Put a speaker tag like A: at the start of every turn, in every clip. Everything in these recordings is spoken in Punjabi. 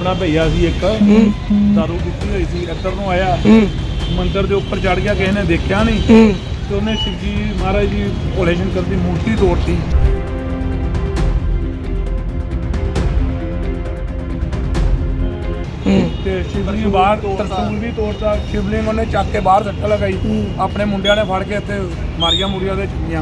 A: ਮੁੰਡਾ ਭਈਆ ਸੀ ਇੱਕ ਦਾਰੂ ਪੀਤੀ ਹੋਈ ਸੀ, ਇੱਧਰ ਨੂੰ ਆਇਆ ਮੰਦਰ ਦੇ ਉੱਪਰ ਚੜ ਗਿਆ, ਕਿਸੇ ਨੇ ਦੇਖਿਆ ਨਹੀਂ ਤੇ ਉਹਨੇ ਸ਼ਿਵ ਜੀ ਮਹਾਰਾਜ ਜੀ ਭੋਲੇ ਸ਼ੰਕਰ ਦੀ ਮੂਰਤੀ ਤੋੜਤੀ। ਤੇ ਸ਼ਿਵਲਿੰਗ ਬਾਹਰ ਤਰਸੂਲ ਵੀ ਤੋੜਤਾ, ਸ਼ਿਵਲਿੰਗ ਉਹਨੇ ਚੱਕ ਕੇ ਬਾਹਰ ਸੱਟ ਲਗਾਈ, ਆਪਣੇ ਮੁੰਡਿਆਂ ਨੇ ਫੜ ਕੇ ਇੱਥੇ ਮਾਰੀਆਂ ਮੁਰੀਆਂ ਦੇ ਚੁੱਕੀਆਂ।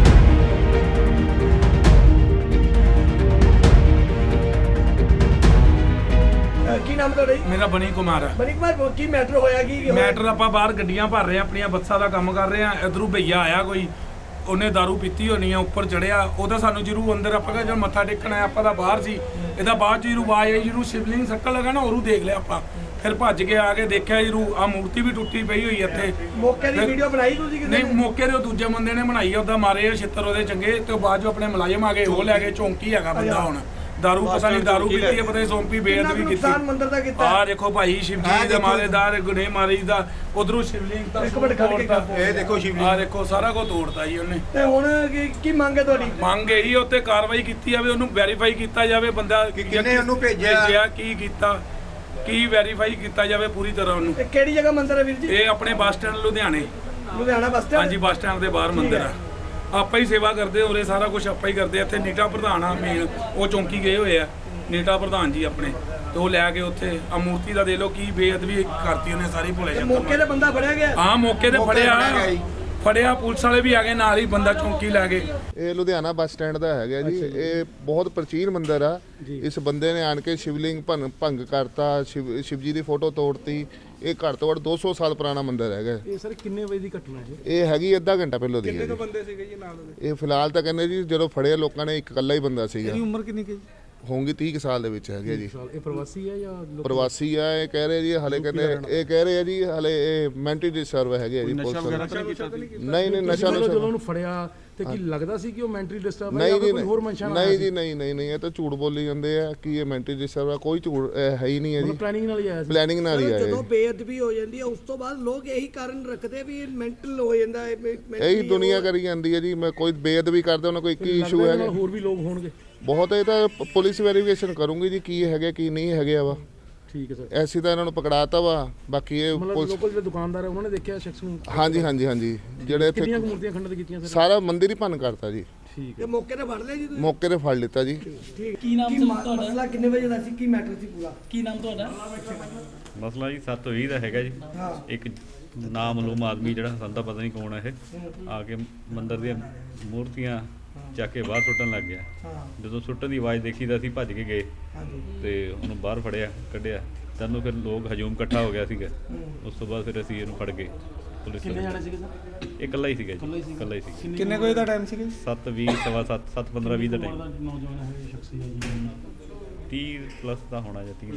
B: ਕੀ ਨਾਮ ਤੁਹਾਡਾ ਜੀ?
A: ਮੇਰਾ ਬਣੀ ਕੁਮਾਰ ਹੈ।
B: ਬਣੀ ਕੁਮਾਰ, ਕੀ ਮੈਟਰ ਹੋਇਆ? ਕੀ
A: ਮੈਟਰ ਆਪਾਂ ਬਾਹਰ ਗੱਡੀਆਂ ਭਰ ਰਹੇ ਆ, ਆਪਣੀਆਂ ਬੱਸਾਂ ਦਾ ਕੰਮ ਕਰ ਰਹੇ ਆ। ਇਧਰੋਂ ਭਈਆ ਆਇਆ ਕੋਈ, ਉਹਨੇ ਦਾਰੂ ਪੀਤੀ ਹੋਣੀ ਆ, ਉੱਪਰ ਚੜਿਆ, ਉਹਦਾ ਸਾਨੂੰ ਜਰੂਰ ਅੰਦਰ ਆਪਾਂ ਜਦ ਮੱਥਾ ਟੇਕਣ ਆਇਆ, ਆਪਾਂ ਤਾਂ ਬਾਹਰ ਸੀ, ਇਹਦਾ ਬਾਅਦ ਚ ਜਰੂਰ ਆਵਾਜ਼ ਆਈ, ਜਰੂਰ ਸ਼ਿਵਲਿੰਗ ਸੱਟਣ ਲੱਗਾ ਨਾ, ਉਹਨੂੰ ਦੇਖ ਲਿਆ ਆਪਾਂ, ਫਿਰ ਭੱਜ ਕੇ ਆ ਕੇ ਦੇਖਿਆ ਜਰੂਰ ਆ ਮੂਰਤੀ ਵੀ ਟੁੱਟੀ ਪਈ ਹੋਈ ਇੱਥੇ।
B: ਮੌਕੇ ਦੀ ਵੀਡੀਓ ਬਣਾਈ ਤੁਸੀਂ ਕਿਸੇ ਨੇ?
A: ਨਹੀਂ, ਮੌਕੇ ਦੇ ਦੂਜੇ ਬੰਦੇ ਨੇ ਬਣਾਈ ਆ, ਉਹਦਾ ਮਾਰੇ ਛਿੱਤਰ ਉਹਦੇ ਚੰਗੇ, ਤੇ ਬਾਅਦ ਚ ਆਪਣੇ ਮੁਲਾਜ਼ਮ ਆ ਗਏ, ਉਹ ਲੈ ਕੇ ਚੌਂਕੀ ਹੈਗਾ ਬੰਦਾ ਹੁਣ। ਦਾਰੂ ਪਤਾ ਨਹੀਂ ਦਾਰੂ ਪੀਤੀ ਹੈ, ਪਤਾ ਨਹੀਂ ਸੌਂਪੀ ਬੇਅਦਬੀ ਕੀਤੀ।
B: ਮੰਦਰ ਦਾ ਕੀਤਾ
A: ਆ ਦੇਖੋ ਭਾਈ, ਸ਼ਿਵ ਜੀ ਦੇ ਮਾਲੇਦਾਰ ਗੁਨੇ ਮਾਰੀ ਦਾ, ਉਧਰੋਂ ਸ਼ਿਵਲਿੰਗ ਤਾਂ
B: ਇੱਕ ਮਿੰਟ ਖੜ ਕੇ
C: ਇਹ ਦੇਖੋ ਸ਼ਿਵਲਿੰਗ,
A: ਆ ਦੇਖੋ ਸਾਰਾ ਕੁਝ ਤੋੜਤਾ ਜੀ ਉਹਨੇ।
B: ਤੇ ਹੁਣ ਕੀ ਮੰਗ ਹੈ ਤੁਹਾਡੀ?
A: ਮੰਗ ਇਹੀ ਉੱਤੇ ਕਾਰਵਾਈ ਕੀਤੀ ਜਾਵੇ, ਉਹਨੂੰ ਵੈਰੀਫਾਈ ਕੀਤਾ ਜਾਵੇ, ਬੰਦਾ
C: ਕਿਹਨੇ ਉਹਨੂੰ ਭੇਜਿਆ,
A: ਕੀ ਕੀਤਾ, ਕੀ ਵੈਰੀਫਾਈ ਕੀਤਾ ਜਾਵੇ ਪੂਰੀ ਤਰ੍ਹਾਂ ਉਹਨੂੰ।
B: ਇਹ ਕਿਹੜੀ ਜਗ੍ਹਾ ਮੰਦਰ ਹੈ ਵੀਰ ਜੀ?
A: ਇਹ ਆਪਣੇ ਬੱਸ ਸਟੈਂਡ ਲੁਧਿਆਣੇ।
B: Ludhiana bus stand?
A: ਹਾਂਜੀ, ਬੱਸ ਸਟੈਂਡ ਦੇ ਬਾਹਰ ਮੰਦਿਰ ਆ। ਆਪਾਂ ਹੀ ਸੇਵਾ ਕਰਦੇ ਉਰੇ, ਸਾਰਾ ਕੁਝ ਆਪਾਂ ਹੀ ਕਰਦੇ। ਇੱਥੇ ਨੀਟਾ ਪ੍ਰਧਾਨ ਆ ਮੇਨ, ਉਹ ਚੌਂਕੀ ਗਏ ਹੋਏ ਆ, ਨੀਟਾ ਪ੍ਰਧਾਨ ਜੀ ਆਪਣੇ, ਤੇ ਉਹ ਲੈ ਕੇ ਉੱਥੇ ਆ ਮੂਰਤੀ ਦਾ ਦੇ ਲੋ ਕੀ ਬੇਅਦਬੀ ਕਰਤੀ ਉਹਨੇ ਸਾਰੀ ਭੋਲੇ ਸ਼ੰਕਰ।
B: ਮੌਕੇ ਤੇ ਬੰਦਾ ਫੜਿਆ ਗਿਆ?
A: ਹਾਂ, ਮੌਕੇ ਤੇ ਫੜਿਆ, ਪੁਲਿਸ ਵਾਲੇ ਵੀ ਆ ਗਏ ਨਾਲ ਹੀ, ਬੰਦਾ ਚੌਂਕੀ ਲੈ ਗਏ।
D: ਇਹ ਲੁਧਿਆਣਾ ਬੱਸ ਸਟੈਂਡ ਦਾ ਹੈਗਾ ਜੀ। ਇਹ ਬਹੁਤ ਪ੍ਰਾਚੀਨ ਮੰਦਿਰ ਆ। ਇਸ ਬੰਦੇ ਨੇ ਆਣ ਕੇ ਸ਼ਿਵਲਿੰਗ ਭੰਗ ਕਰਤਾ, ਸ਼ਿਵ ਜੀ ਦੀ ਫੋਟੋ ਤੋੜਤੀ। ਇਹ ਘੱਟ ਤੋਂ ਘੱਟ 200 ਸਾਲ ਪੁਰਾਣਾ ਮੰਦਿਰ ਹੈਗਾ।
E: ਇਹ ਸਰ ਕਿੰਨੇ ਵਜੇ ਦੀ ਘਟਨਾ ਹੈ?
D: ਇਹ ਹੈਗੀ ਅੱਧਾ ਘੰਟਾ ਪਹਿਲਾਂ ਦੀ ਹੈ।
E: ਕਿੰਨੇ ਬੰਦੇ ਸੀਗੇ ਜੀ ਨਾਲ ਉਹਦੇ?
D: ਇਹ ਫਿਲਹਾਲ ਤਾਂ ਕਹਿੰਦੇ ਜੀ ਜਦੋਂ ਫੜਿਆ ਲੋਕਾਂ ਨੇ, ਇੱਕ ਇਕੱਲਾ ਹੀ ਬੰਦਾ ਸੀਗਾ।
E: ਇਹਦੀ ਉਮਰ ਕਿੰਨੀ ਕੀ
D: ਹੋਊਗੀ 30 ਸਾਲ ਦੇ ਵਿੱਚ ਹੈਗੇ ਜੀ।
E: ਇਹ ਪ੍ਰਵਾਸੀ ਹੈ ਜਾਂ
D: ਪ੍ਰਵਾਸੀ ਆ। ਇਹ ਕਹਿ ਰਹੇ ਜੀ ਹਲੇ, ਕਹਿੰਦੇ ਇਹ ਕਹਿ ਰਹੇ ਆ ਜੀ ਹਲੇ ਇਹ ਮੈਂਟਲੀ ਡਿਸਟਰਬ ਹੈਗੇ ਆ ਜੀ। ਪੁਲਿਸ ਨਹੀਂ ਨਸ਼ਾ
E: ਜਦੋਂ ਉਹਨੂੰ ਫੜਿਆ ਤੇ ਕੀ ਲੱਗਦਾ ਸੀ ਕਿ ਉਹ ਮੈਂਟਲੀ ਡਿਸਟਰਬ ਹੈ
D: ਜਾਂ
E: ਕੋਈ ਹੋਰ ਮਨਸ਼ਾ ਨਾਲ?
D: ਨਹੀਂ ਜੀ, ਨਹੀਂ, ਇਹ ਤਾਂ ਝੂਠ ਬੋਲੀ ਜਾਂਦੇ ਆ ਕਿ ਇਹ ਮੈਂਟਲੀ ਡਿਸਟਰਬ ਆ। ਕੋਈ ਝੂਠ ਹੈ ਹੀ ਨਹੀਂ ਹੈ ਜੀ।
E: ਪਲੈਨਿੰਗ ਨਾਲ ਹੀ ਆਇਆ ਸੀ?
D: ਪਲੈਨਿੰਗ ਨਾਲ ਹੀ ਆਇਆ।
B: ਜਦੋਂ ਬੇਅਦਬੀ ਹੋ ਜਾਂਦੀ ਹੈ ਉਸ ਤੋਂ ਬਾਅਦ ਲੋਕ ਇਹੀ ਕਾਰਨ ਰੱਖਦੇ ਵੀ ਇਹ ਮੈਂਟਲ ਹੋ ਜਾਂਦਾ ਹੈ।
D: ਇਹੀ ਦੁਨੀਆ ਕਰੀ ਜਾਂਦੀ ਹੈ ਜੀ। ਮੈਂ ਕੋਈ ਬੇਅਦਬੀ ਕਰਦੇ ਉਹਨਾਂ ਕੋਈ ਇੱਕ ਹੀ ਇਸ਼ੂ ਹੈ।
E: ਹੋਰ ਵੀ ਲੋਕ ਹੋਣਗੇ
D: ਬਹੁਤ। ਇਹ ਤਾਂ ਪੁਲਿਸ ਵੈਰੀਫਿਕੇਸ਼ਨ ਕਰੂੰਗੀ ਜੀ ਕੀ ਹੈਗੇ ਕੀ ਨਹੀਂ ਹੈਗੇ ਵਾ।
E: ਠੀਕ ਹੈ ਸਰ।
D: ਐਸੀ ਤਾਂ ਇਹਨਾਂ ਨੂੰ ਪਕੜਾਤਾ ਵਾ। ਬਾਕੀ ਇਹ
E: ਲੋਕਲ ਜਿਹੜੇ ਦੁਕਾਨਦਾਰ ਹੈ ਉਹਨਾਂ ਨੇ ਦੇਖਿਆ ਸ਼ਖਸ ਨੂੰ?
D: ਹਾਂਜੀ ਜਿਹੜੇ ਇੱਥੇ
E: ਕਿੰਨੀਆਂ ਮੂਰਤੀਆਂ ਖੰਡਿਤ ਕੀਤੀਆਂ ਸਰ?
D: ਸਾਰਾ ਮੰਦਿਰ ਹੀ ਭੰਨ ਕਰਤਾ ਜੀ।
E: ਠੀਕ
B: ਹੈ। ਮੌਕੇ ਤੇ ਫੜ ਲਿਆ ਜੀ ਤੁਸੀਂ?
D: ਮੌਕੇ ਤੇ ਫੜ ਲਿੱਤਾ ਜੀ।
B: ਠੀਕ।
F: ਕੀ ਨਾਮ ਸੀ ਤੁਹਾਡਾ?
B: ਮਸਲਾ ਕਿੰਨੇ ਵਜੇ ਦਾ ਸੀ? ਕੀ ਮੈਟਰ ਸੀ ਪੂਰਾ?
F: ਕੀ ਨਾਮ ਤੁਹਾਡਾ?
G: ਮਸਲਾ ਜੀ 7:20 ਦਾ ਹੈਗਾ ਜੀ। ਇੱਕ ਨਾਮਲੂਮ ਆਦਮੀ ਜਿਹੜਾ ਸਾਨੂੰ ਤਾਂ ਪਤਾ ਨਹੀਂ ਕੌਣ ਹੈ, ਇਹ ਆ ਕੇ ਮੰਦਿਰ ਦੀਆਂ ਮੂਰਤੀਆਂ ਚੱਕ ਕੇ ਬਾਹਰ ਸੁੱਟਣ ਲੱਗ ਗਿਆ। ਜਦੋਂ ਸੁੱਟਣ ਦੀ ਆਵਾਜ਼ ਦੇਖੀ ਤਾਂ ਅਸੀਂ ਭੱਜ ਕੇ ਗਏ ਤੇ ਉਹਨੂੰ ਬਾਹਰ ਫੜਿਆ, ਕੱਢਿਆ। ਤੈਨੂੰ ਫਿਰ ਲੋਕ ਹਜੂਮ ਇਕੱਠਾ ਹੋ ਗਿਆ ਸੀਗਾ। ਉਸ ਤੋਂ ਬਾਅਦ ਫਿਰ ਅਸੀਂ ਇਹਨੂੰ ਫੜ ਗਏ। ਪੁਲਿਸ
E: ਕਿੰਨੇ ਜਾਣੇ ਸੀਗੇ ਸਰ?
G: ਇਹ ਇਕੱਲਾ ਹੀ ਸੀਗਾ ਜੀ, ਇਕੱਲਾ ਹੀ ਸੀ।
E: ਕਿੰਨੇ ਵਜੇ ਦਾ ਟਾਈਮ ਸੀਗਾ?
G: 7:20 ਸਵਾ 7, 7:15 ਦਾ ਟਾਈਮ।
E: ਨੌਜਵਾਨ ਹੈ ਸ਼ਖਸੀ ਹੈ ਜੀ?
G: 30 ਪਲੱਸ ਦਾ ਹੋਣਾ ਜਾਂ 30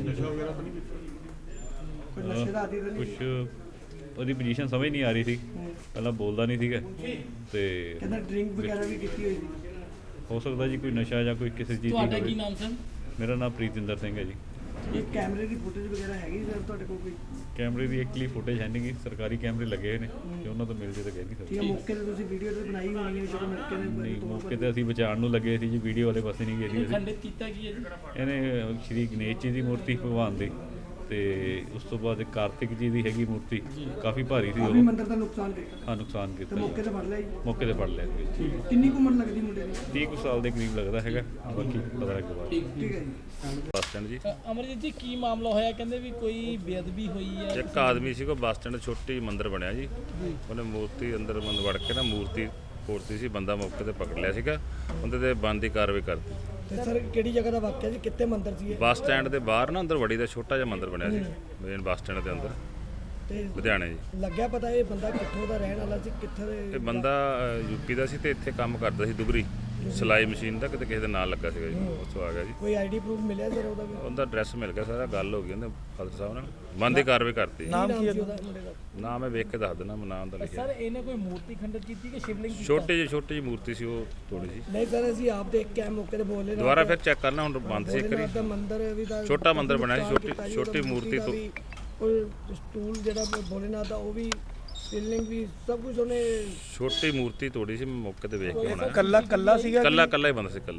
G: ਕੁਛ। ਉਹਦੀ ਪੋਜੀਸ਼ਨ ਸਮਝ ਨਹੀਂ ਆ ਰਹੀ ਸੀ, ਪਹਿਲਾਂ ਬੋਲਦਾ ਨਹੀਂ ਸੀਗਾ ਤੇ
B: ਕਹਿੰਦਾ ਡਰਿੰਕ ਵਗੈਰਾ ਵੀ ਕੀਤੀ ਹੋਈ ਸੀ।
G: ਹੋ ਸਕਦਾ ਜੀ ਕੋਈ ਨਸ਼ਾ ਜਾਂ ਕੋਈ ਕਿਸੇ ਚੀਜ਼ ਦੀ
F: ਤੁਹਾਡਾ ਕੀ
G: ਹੋਵੇ।
F: ਨਾਮ ਸਰ?
G: ਮੇਰਾ ਨਾਮ ਪ੍ਰੀਤਿੰਦਰ ਸਿੰਘ ਹੈ ਜੀ।
B: ਇਹ ਕੈਮਰੇ ਦੀ ਫੁਟੇਜ ਵਗੈਰਾ ਹੈਗੀ ਸਰ ਤੁਹਾਡੇ ਕੋਲ ਕੋਈ?
G: ਕੈਮਰੇ ਦੀ ਐਕਚੁਅਲੀ ਫੁਟੇਜ ਹੈ ਨਹੀਂ ਗੀ, ਸਰਕਾਰੀ ਕੈਮਰੇ ਲੱਗੇ ਹੋਏ ਨੇ, ਜੇ ਉਹਨਾਂ ਤੋਂ ਮਿਲ ਜੇ ਤਾਂ ਕਹਿ ਨਹੀਂ
B: ਠੀਕ
G: ਸਕਦੇ।
B: ਹੈ। ਮੌਕੇ ਤੇ ਤੁਸੀਂ ਵੀਡੀਓ ਤੇ ਬਣਾਈ ਹੋਣੀ ਹੈ ਜਦੋਂ ਮੌਕੇ
G: ਨਹੀਂ,
B: ਤੇ
G: ਮੌਕੇ ਤੇ ਅਸੀਂ ਬਚਾਉਣ ਨੂੰ ਲੱਗੇ ਸੀ ਜੀ, ਵੀਡੀਓ ਵਾਲੇ ਪਾਸੇ ਨਹੀਂ ਗਏ ਸੀ ਅਸੀਂ।
F: ਖੰਡਿਤ ਕੀਤਾ ਕੀ ਹੈ ਜੀ?
G: ਇਹਨੇ ਸ਼੍ਰੀ ਗਣੇਸ਼ ਜੀ ਦੀ ਮੂਰਤੀ ਭਗਵਾਨ ਦੀ, ਤੇ ਉਸ ਤੋਂ ਬਾਅਦ ਇੱਕ ਕਾਰਤਿਕ ਜੀ ਦੀ ਹੈਗੀ ਮੂਰਤੀ, ਕਾਫੀ ਭਾਰੀ ਸੀ
B: ਕਾਫੀ
G: ਉਹ।
B: ਮੰਦਰ ਦਾ ਨੁਕਸਾਨ ਕੀਤਾ?
G: ਹਾਂ, ਨੁਕਸਾਨ
B: ਤੇ
G: ਕੀਤਾ
B: ਮੌਕੇ
G: ਜੀ।
B: ਤੇ ਫੜ ਲਿਆ ਜੀ?
G: ਮੌਕੇ ਤੇ ਫੜ ਲਿਆ ਜੀ।
B: ਕਿੰਨੀ ਕੁ ਉਮਰ ਲੱਗਦੀ ਮੁੰਡੇ ਦੀ?
G: 30 ਕੁ ਸਾਲ ਦੇ ਕਰੀਬ ਲੱਗਦਾ ਹੈਗਾ, ਬਾਕੀ ਪਤਾ ਲੱਗ ਬਾਅਦ।
B: ਠੀਕ ਹੈ ਜੀ।
G: ਬੱਸ ਸਟੈਂਡ ਜੀ।
F: ਅਮਰਜੀਤ ਜੀ, ਕੀ ਮਾਮਲਾ ਹੋਇਆ? ਕਹਿੰਦੇ ਵੀ ਕੋਈ ਬੇਅਦਬੀ ਹੋਈ ਹੈ।
H: ਇੱਕ ਆਦਮੀ ਸੀ ਕੋ ਬੱਸ ਸਟੈਂਡ ਛੋਟੀ ਮੰਦਿਰ ਬਣਿਆ ਜੀ, ਉਹਨੇ ਮੂਰਤੀ ਅੰਦਰ ਵੜ ਕੇ ਨਾ ਮੂਰਤੀ ਤੋੜਤੀ ਸੀ। ਬੰਦਾ ਮੌਕੇ ਤੇ ਪਕੜ ਲਿਆ ਸੀਗਾ, ਉਹਦੇ ਤੇ ਬਣਦੀ ਕਾਰਵਾਈ ਕਰਤੀ।
B: ਤੇ ਸਰ ਕਿਹੜੀ ਜਗ੍ਹਾ ਦਾ ਵਾਕਿਆ ਜੀ? ਕਿੱਥੇ ਮੰਦਿਰ ਸੀ ਇਹ?
H: ਬੱਸ ਸਟੈਂਡ ਦੇ ਬਾਹਰ ਨਾ ਅੰਦਰ ਵੜੀ ਦਾ ਛੋਟਾ ਜਿਹਾ ਮੰਦਿਰ ਬਣਿਆ ਸੀ, ਮੇਨ ਬੱਸ ਸਟੈਂਡ ਦੇ ਅੰਦਰ,
B: ਤੇ
H: ਲੁਧਿਆਣੇ ਜੀ।
B: ਲੱਗਿਆ ਪਤਾ ਇਹ ਬੰਦਾ ਕਿੱਥੋਂ ਦਾ ਰਹਿਣ ਵਾਲਾ ਸੀ? ਕਿੱਥੇ ਦੇ?
H: ਇਹ ਬੰਦਾ ਯੂਪੀ ਦਾ ਸੀ ਤੇ ਇੱਥੇ ਕੰਮ ਕਰਦਾ ਸੀ ਦੁਗਰੀ ਸਿਲਾਈ ਮਸ਼ੀਨ ਦਾ, ਕਿਤੇ ਕਿਸੇ ਦੇ ਨਾਲ ਲੱਗਾ ਸੀਗਾ ਜੀ, ਉੱਥੋਂ ਆ ਗਿਆ ਜੀ।
B: ਕੋਈ ਆਈਡੀ ਪ੍ਰੂਫ ਮਿਲਿਆ ਸਰ ਉਹਦਾ ਵੀ?
H: ਉਹਦਾ ਐਡਰੈਸ ਮਿਲ ਗਿਆ, ਸਾਰਾ ਗੱਲ ਹੋ ਗਈ ਉਹਦੇ ਫਾਦਰ ਸਾਹਿਬ ਨਾਲ, ਬਣਦੀ ਕਾਰਵਾਈ ਕਰਤੀ।
B: ਨਾਮ ਕੀ ਉਹਦਾ ਮੁੰਡੇ ਦਾ?
H: ਨਾਮ ਮੈਂ ਵੇਖ ਕੇ ਦੱਸ ਦਿੰਦਾ, ਮੈਂ ਨਾਮ ਦਾ ਲਿਖਿਆ।
F: ਸਰ ਇਹਨੇ ਕੋਈ ਮੂਰਤੀ ਖੰਡਿਤ ਕੀਤੀ ਕਿ ਸ਼ਿਵਲਿੰਗ ਕੀਤਾ?
H: ਛੋਟੀ ਜਿਹੀ ਮੂਰਤੀ ਸੀ, ਉਹ ਤੋੜੀ ਸੀ।
B: ਨਹੀਂ ਸਰ, ਅਸੀਂ ਆਪ ਦੇਖ ਕੇ ਮੌਕੇ ਤੇ ਬੋਲੇ ਨਾ।
H: ਦੁਬਾਰਾ ਫਿਰ ਚੈੱਕ ਕਰਨਾ, ਹੁਣ ਬੰਦ ਸੀ ਇੱਕ ਵਾਰੀ।
B: ਦਾ ਮੰਦਿਰ ਵੀ ਦਾ
H: ਛੋਟਾ ਮੰਦਿਰ ਬਣਿਆ ਸੀ, ਛੋਟੀ ਮੂਰਤੀ ਤੋਂ।
B: ਉਹ ਸਟੂਲ ਜਿਹੜਾ ਭੋਲੇਨਾਥ ਦਾ, ਉਹ ਵੀ ਸੀਲਿੰਗ ਵੀ ਸਭ ਕੁਝ ਉਹਨੇ।
H: ਛੋਟੀ ਮੂਰਤੀ ਤੋੜੀ ਸੀ, ਮੈਂ ਮੌਕੇ ਤੇ ਵੇਖ ਕੇ ਆਉਣਾ।
E: ਕੱਲਾ ਸੀਗਾ?
H: ਕੱਲਾ ਹੀ ਬੰਦਾ ਸੀ, ਕੱਲਾ ਜੀ।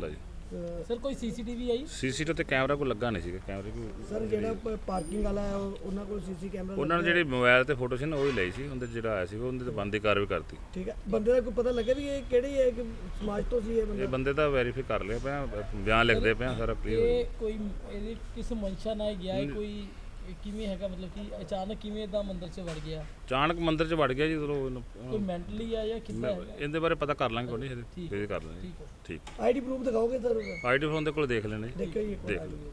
F: ਸਰ ਕੋਈ ਸੀਸੀਟੀਵੀ ਆਈ?
H: ਸੀਸੀਟੀਵੀ ਤੇ ਕੈਮਰਾ ਕੋਈ ਲੱਗਾ ਨਹੀਂ ਸੀਗਾ, ਕੈਮਰੇ ਕੋਈ
B: ਸਰ ਜਿਹੜਾ ਪਾਰਕਿੰਗ ਵਾਲਾ ਹੈ ਉਹਨਾਂ ਕੋਲ ਸੀਸੀ ਕੈਮਰਾ
H: ਉਹਨਾਂ ਨੇ ਜਿਹੜੇ ਮੋਬਾਈਲ ਤੇ ਫੋਟੋ ਸੀ ਨਾ ਉਹ ਹੀ ਲਈ ਸੀ, ਉਹਦੇ ਜਿਹੜਾ ਆਇਆ ਸੀ ਉਹਦੇ ਤੇ ਬੰਦੀ ਕਾਰਵਾਈ ਕਰਤੀ।
B: ਠੀਕ ਹੈ, ਬੰਦੇ ਦਾ ਕੋਈ ਪਤਾ ਲੱਗਿਆ ਵੀ ਇਹ ਕਿਹੜੀ ਹੈ, ਕਿ ਸਮਾਜ ਤੋਂ ਸੀ ਇਹ ਬੰਦਾ?
H: ਇਹ ਬੰਦੇ ਤਾਂ ਵੈਰੀਫਾਈ ਕਰ ਲਿਆ ਪਿਆ, ਬਿਆਨ ਲਿਖਦੇ ਪਿਆ, ਸਾਰਾ ਕਲੀਅਰ ਹੋ
F: ਇਹ ਕੋਈ ਇਹਦੇ ਕਿਸ ਮਨਸ਼ਾ ਨਾਲ ਗਿਆ ਹੈ, ਕੋਈ ਕਿਵੇਂ ਹੈਗਾ, ਮਤਲਬ ਕਿ ਅਚਾਨਕ ਕਿਵੇਂ ਇਦਾਂ ਮੰਦਿਰ 'ਚ ਵੜ ਗਿਆ?
H: ਅਚਾਨਕ ਮੰਦਿਰ 'ਚ ਵੜ ਗਿਆ ਜੀ ਜਦੋਂ
F: ਕੋਈ ਮੈਂਟਲੀ ਆ ਜਾਂ ਕਿੱਦਾਂ ਹੈਗਾ?
H: ਇਹਦੇ ਬਾਰੇ ਪਤਾ ਕਰ ਲਾਂਗੇ, ਕੋਈ ਨਹੀਂ ਫਿਰ ਕਰ ਲਾਂਗੇ। ਠੀਕ
B: ਆਈਡੀ ਪ੍ਰੂਫ ਦਿਖਾਓਗੇ ਸਰ?
H: ਆਈਡੀ ਫੋਨ ਦੇ ਕੋਲ ਦੇਖ ਲੈਣੇ
B: ਦੇਖਿਓ ਜੀ ਇੱਕ ਵਾਰ
H: ਦੇਖ
B: ID।
H: ਲਓ।